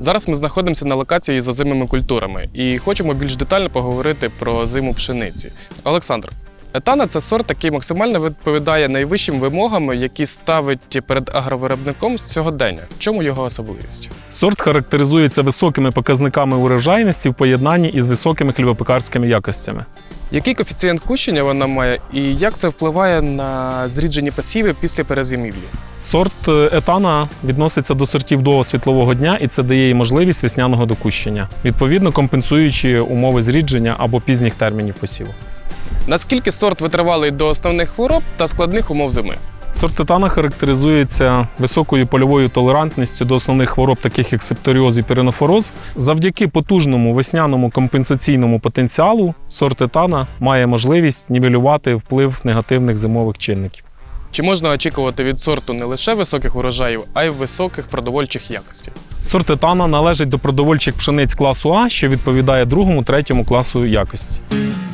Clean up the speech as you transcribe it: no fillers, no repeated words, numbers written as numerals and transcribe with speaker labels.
Speaker 1: Зараз ми знаходимося на локації з озимими культурами і хочемо більш детально поговорити про зиму пшениці. Олександр, етана – це сорт, який максимально відповідає найвищим вимогам, які ставить перед агровиробником сьогодення. В чому його особливість?
Speaker 2: Сорт характеризується високими показниками урожайності в поєднанні із високими хлібопекарськими якостями.
Speaker 1: Який коефіцієнт кущення вона має і як це впливає на зріджені посіви після перезимівлі?
Speaker 2: Сорт етана відноситься до сортів довгого світлового дня, і це дає їй можливість весняного докущення, відповідно компенсуючи умови зрідження або пізніх термінів посіву.
Speaker 1: Наскільки сорт витривалий до основних хвороб та складних умов зими?
Speaker 2: Сорт етана характеризується високою польовою толерантністю до основних хвороб, таких як септоріоз і піренофороз. Завдяки потужному весняному компенсаційному потенціалу сорт етана має можливість нівелювати вплив негативних зимових чинників.
Speaker 1: Чи можна очікувати від сорту не лише високих урожаїв, а й високих продовольчих якостей?
Speaker 2: Сорт етана належить до продовольчих пшениць класу А, що відповідає 2-3 класу якості.